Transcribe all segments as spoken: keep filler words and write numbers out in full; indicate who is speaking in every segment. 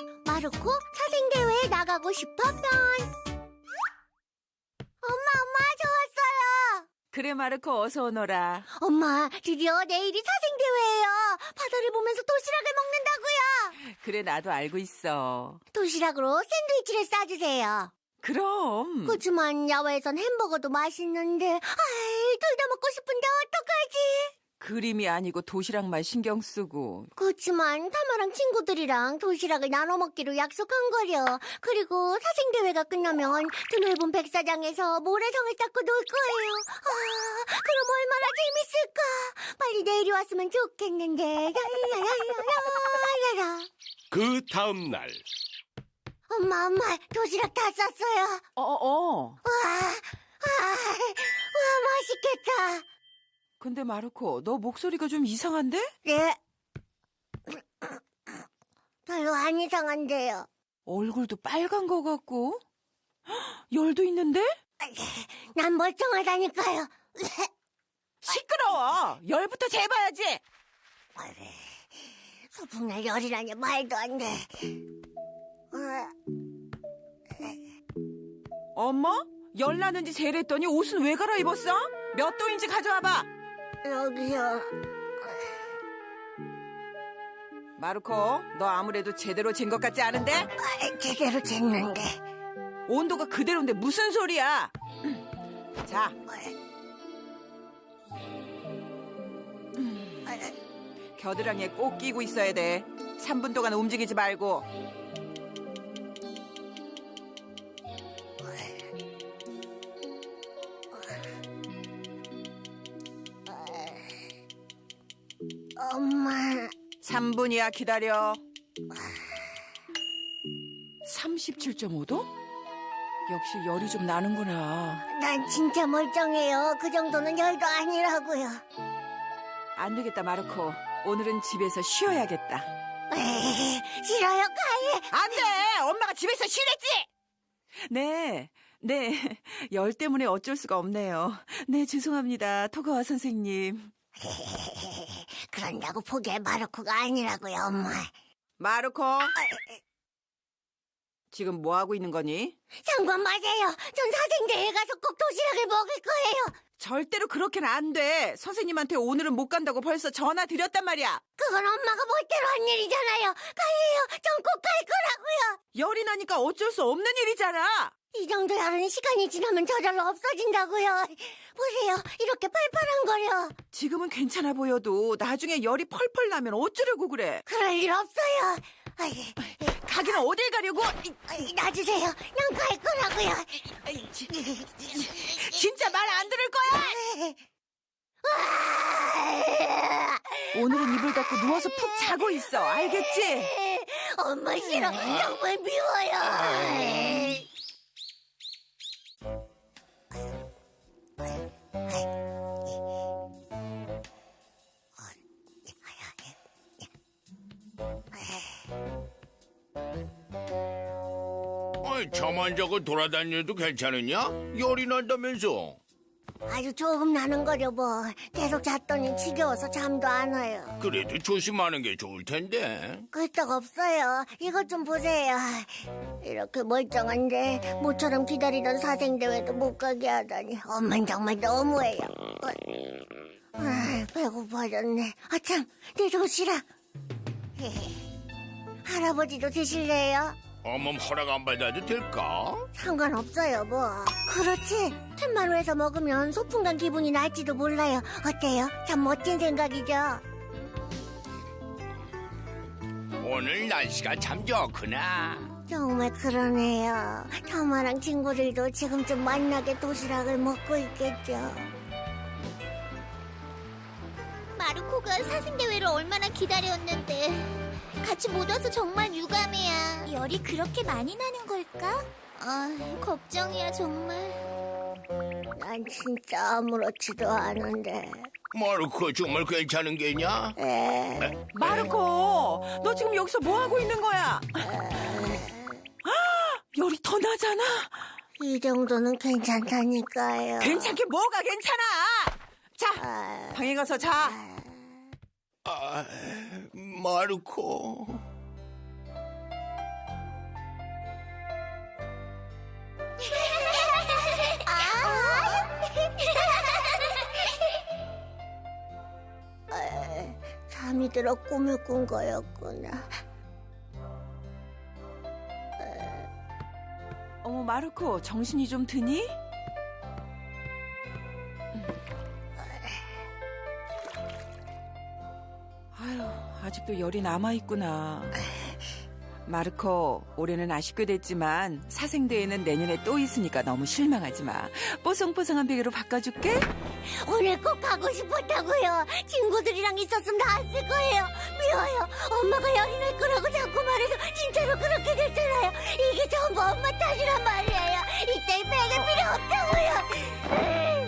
Speaker 1: 마르코 사생대회에 나가고 싶어 편. 엄마, 엄마, 저 왔어요.
Speaker 2: 그래, 마르코, 어서 오너라.
Speaker 1: 엄마, 드디어 내일이 사생대회예요. 바다를 보면서 도시락을 먹는다고요.
Speaker 2: 그래, 나도 알고 있어.
Speaker 1: 도시락으로 샌드위치를 싸주세요.
Speaker 2: 그럼.
Speaker 1: 그치만 야외에선 햄버거도 맛있는데, 아이, 둘 다 먹고 싶은데 어떡하지?
Speaker 2: 그림이 아니고 도시락만 신경 쓰고.
Speaker 1: 그치만 타마랑 친구들이랑 도시락을 나눠 먹기로 약속한 거려. 그리고 사생대회가 끝나면 드넓은 백사장에서 모래성을 쌓고 놀 거예요. 아, 그럼 얼마나 재밌을까? 빨리 내일이 왔으면 좋겠는데. 야야야야야야야.
Speaker 3: 그 다음 날
Speaker 1: 엄마, 엄마, 도시락 다 쌌어요.
Speaker 2: 어, 어.
Speaker 1: 와, 와, 와, 맛있겠다.
Speaker 2: 근데 마르코, 너 목소리가 좀 이상한데?
Speaker 1: 네. 별로 안 이상한데요.
Speaker 2: 얼굴도 빨간 거 같고. 헉, 열도 있는데?
Speaker 1: 난 멀쩡하다니까요.
Speaker 2: 시끄러워. 열부터 재봐야지.
Speaker 1: 소풍날 열이라니 말도 안 돼.
Speaker 2: 엄마? 열 나는지 재랬더니 옷은 왜 갈아입었어? 몇 도인지 가져와봐.
Speaker 1: 여기요.
Speaker 2: 마르코, 너 아무래도 제대로 잰 것 같지 않은데?
Speaker 1: 아, 제대로 쟀는데.
Speaker 2: 온도가 그대로인데 무슨 소리야? 자, 겨드랑이에 꼭 끼고 있어야 돼. 삼 분 동안 움직이지 말고.
Speaker 1: 엄마.
Speaker 2: 삼 분이야, 기다려. 삼십칠 점 오 도? 역시 열이 좀 나는구나.
Speaker 1: 난 진짜 멀쩡해요. 그 정도는 열도 아니라고요.
Speaker 2: 안 되겠다, 마르코. 오늘은 집에서 쉬어야겠다.
Speaker 1: 에이, 싫어요, 가해.
Speaker 2: 안 돼! 엄마가 집에서 쉬랬지! 네, 네. 열 때문에 어쩔 수가 없네요. 네, 죄송합니다. 토가와 선생님.
Speaker 1: 그런다고 포기할 마르코가 아니라고요, 엄마.
Speaker 2: 마르코! 지금 뭐 하고 있는 거니?
Speaker 1: 상관 마세요. 전 사생대회 가서 꼭 도시락을 먹을 거예요.
Speaker 2: 절대로 그렇게는 안 돼. 선생님한테 오늘은 못 간다고 벌써 전화 드렸단 말이야.
Speaker 1: 그건 엄마가 멋대로 한 일이잖아요. 가해요. 전 꼭 갈 거라고요.
Speaker 2: 열이 나니까 어쩔 수 없는 일이잖아.
Speaker 1: 이 정도 열은 시간이 지나면 저절로 없어진다고요. 보세요. 이렇게 팔팔한거려.
Speaker 2: 지금은 괜찮아 보여도 나중에 열이 펄펄 나면 어쩌려고 그래.
Speaker 1: 그럴 일 없어요. 아이,
Speaker 2: 가기는 어딜 가려고?
Speaker 1: 아이, 놔주세요. 난 갈 거라고요.
Speaker 2: 진짜 말 안 들을 거야? 오늘은 이불 덮고 누워서 푹 자고 있어. 알겠지?
Speaker 1: 엄마 싫어. 정말 미워요.
Speaker 3: 아이, 잠안 자고 돌아다녀도 괜찮으냐? 열이 난다면서.
Speaker 1: 아주 조금 나는 거려 뭐. 계속 잤더니 지겨워서 잠도 안 와요.
Speaker 3: 그래도 조심하는 게 좋을 텐데.
Speaker 1: 끄떡 없어요. 이것 좀 보세요. 이렇게 멀쩡한데 모처럼 기다리던 사생대회도 못 가게 하다니 엄만 정말 너무해요. 아, 배고파졌네. 아참, 내 도시락. 할아버지도 드실래요?
Speaker 3: 어멈 허락 안 받아도 될까?
Speaker 1: 상관없어요 뭐. 그렇지. 텐마루에서 먹으면 소풍 간 기분이 날지도 몰라요. 어때요? 참 멋진 생각이죠.
Speaker 3: 오늘 날씨가 참 좋구나.
Speaker 1: 정말 그러네요. 타마랑 친구들도 지금쯤 만나게 도시락을 먹고 있겠죠.
Speaker 4: 마르코가 사생대회를 얼마나 기다렸는데 같이 못 와서 정말 유감이야. 열이 그렇게 많이 나는 걸까? 아, 걱정이야 정말.
Speaker 1: 난 진짜 아무렇지도 않은데.
Speaker 3: 마르코 정말 괜찮은 게냐?
Speaker 1: 에,
Speaker 2: 마르코, 너 지금 여기서 뭐 하고 있는 거야? 열이 더 나잖아.
Speaker 1: 이 정도는 괜찮다니까요.
Speaker 2: 괜찮게 뭐가 괜찮아? 자,
Speaker 1: 아,
Speaker 2: 방에 가서 자.
Speaker 3: 아, 마르코.
Speaker 1: 잠이 들어 꿈을 꾼 거였구나.
Speaker 2: 어머, 마르코, 정신이 좀 드니? 아유, 아직도 열이 남아있구나. 마르코, 올해는 아쉽게 됐지만 사생대회는 내년에 또 있으니까 너무 실망하지 마. 뽀송뽀송한 베개로 바꿔줄게.
Speaker 1: 오늘 꼭 가고 싶었다고요. 친구들이랑 있었으면 나았을 거예요. 미워요. 엄마가 열이 날 거라고 자꾸 말해서 진짜로 그렇게 됐잖아요. 이게 전부 엄마 탓이란 말이에요. 이따위 베개 필요 없다고요.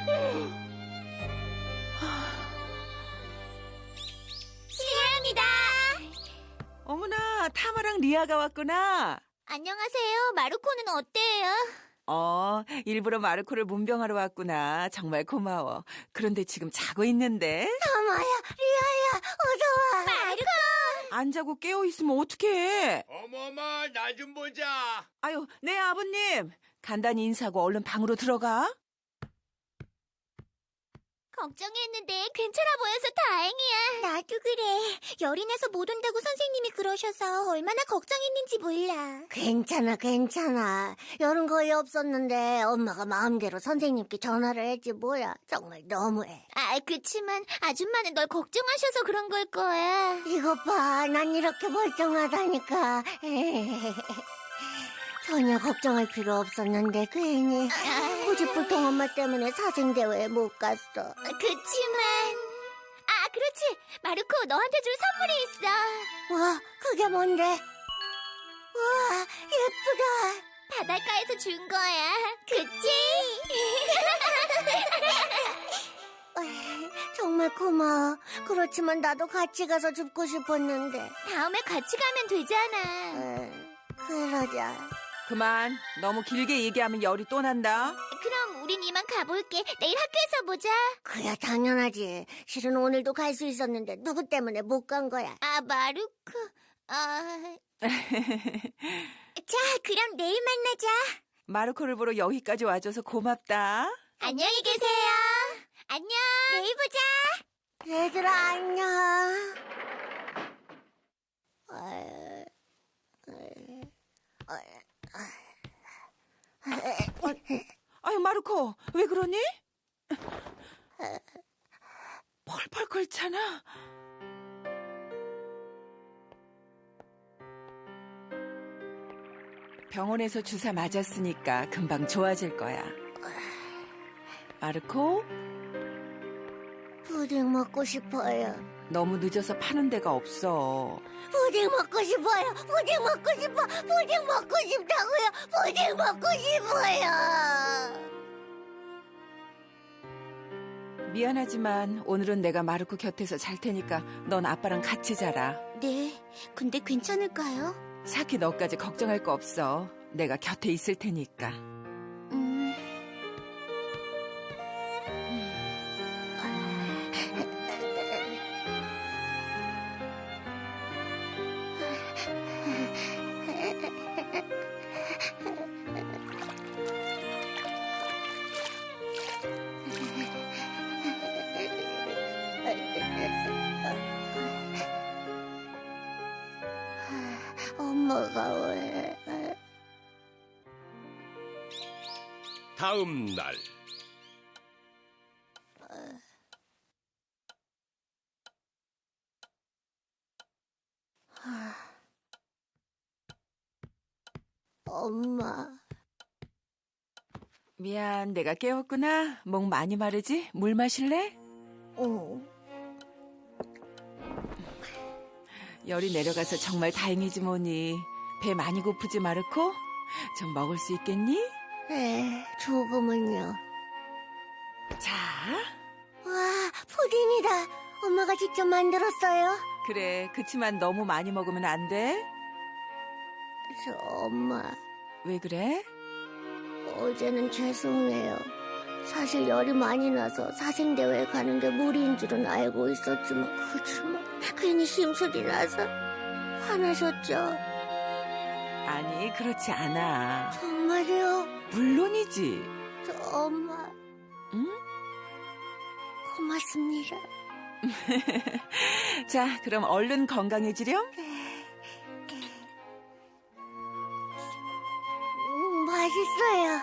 Speaker 4: 실례합니다.
Speaker 2: 어머나, 타마랑 리아가 왔구나.
Speaker 4: 안녕하세요. 마루코는 어때요?
Speaker 2: 어, 일부러 마르코를 문병하러 왔구나. 정말 고마워. 그런데 지금 자고 있는데?
Speaker 1: 타마야, 리아야, 어서 와.
Speaker 4: 마루코!
Speaker 2: 안 자고 깨어있으면 어떡해?
Speaker 3: 어머머, 나 좀 보자.
Speaker 2: 아유, 네, 아버님. 간단히 인사하고 얼른 방으로 들어가.
Speaker 4: 걱정했는데 괜찮아 보여서 다행이야. 나도 그래. 열이 나서 못 온다고 선생님이 그러셔서 얼마나 걱정했는지 몰라.
Speaker 1: 괜찮아, 괜찮아. 열은 거의 없었는데 엄마가 마음대로 선생님께 전화를 했지 뭐야. 정말 너무해.
Speaker 4: 아, 그치만 아줌마는 널 걱정하셔서 그런 걸 거야.
Speaker 1: 이것 봐, 난 이렇게 멀쩡하다니까. 전혀 걱정할 필요 없었는데 괜히 고집불통 엄마 때문에 사생대회에 못 갔어.
Speaker 4: 그치만... 아, 그렇지. 마루코, 너한테 줄 선물이 있어.
Speaker 1: 와, 그게 뭔데? 와, 예쁘다.
Speaker 4: 바닷가에서 준 거야. 그치?
Speaker 1: 정말 고마워. 그렇지만 나도 같이 가서 줍고 싶었는데.
Speaker 4: 다음에 같이 가면 되잖아.
Speaker 1: 에, 그러자.
Speaker 2: 그만. 너무 길게 얘기하면 열이 또 난다.
Speaker 4: 그럼 우린 이만 가볼게. 내일 학교에서 보자.
Speaker 1: 그야 당연하지. 실은 오늘도 갈 수 있었는데 누구 때문에 못 간 거야.
Speaker 4: 아, 마루코. 아... 자, 그럼 내일 만나자.
Speaker 2: 마르코를 보러 여기까지 와줘서 고맙다.
Speaker 4: 안녕히 계세요. 안녕. 내일 보자.
Speaker 1: 얘들아, 안녕. 에, 에, 에.
Speaker 2: 아유, 마르코, 왜 그러니? 펄펄 끓잖아. 병원에서 주사 맞았으니까 금방 좋아질 거야. 마르코,
Speaker 1: 푸딩 먹고 싶어요.
Speaker 2: 너무 늦어서 파는 데가 없어.
Speaker 1: 푸딩 먹고 싶어요. 푸딩 먹고 싶어. 푸딩 먹고 싶다고요. 푸딩 먹고 싶어요.
Speaker 2: 미안하지만 오늘은 내가 마르코 곁에서 잘 테니까 넌 아빠랑 같이 자라.
Speaker 4: 네, 근데 괜찮을까요?
Speaker 2: 사키 너까지 걱정할 거 없어. 내가 곁에 있을 테니까.
Speaker 4: 음...
Speaker 1: 엄마가 왜?
Speaker 3: 다음 날.
Speaker 1: 엄마.
Speaker 2: 미안, 내가 깨웠구나. 목 많이 마르지? 물 마실래?
Speaker 1: 어.
Speaker 2: 열이 내려가서 정말 다행이지 뭐니. 배 많이 고프지, 마르코? 좀 먹을 수 있겠니?
Speaker 1: 네, 조금은요.
Speaker 2: 자,
Speaker 1: 와, 푸딩이다. 엄마가 직접 만들었어요.
Speaker 2: 그래. 그치만 너무 많이 먹으면 안 돼.
Speaker 1: 저 엄마,
Speaker 2: 왜 그래?
Speaker 1: 어제는 죄송해요. 사실 열이 많이 나서 사생대회에 가는 게 무리인 줄은 알고 있었지만 그치만 괜히 심술이 나서 화나셨죠?
Speaker 2: 아니, 그렇지 않아.
Speaker 1: 정말요?
Speaker 2: 물론이지.
Speaker 1: 저 엄마
Speaker 2: 응?
Speaker 1: 고맙습니다.
Speaker 2: 자, 그럼 얼른 건강해지렴.
Speaker 1: 음, 맛있어요.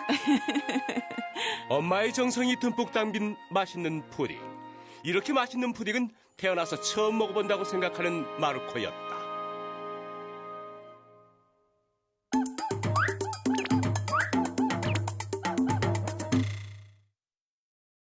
Speaker 5: 엄마의 정성이 듬뿍 담긴 맛있는 푸딩. 이렇게 맛있는 푸딩은 태어나서 처음 먹어본다고 생각하는 마르코였다.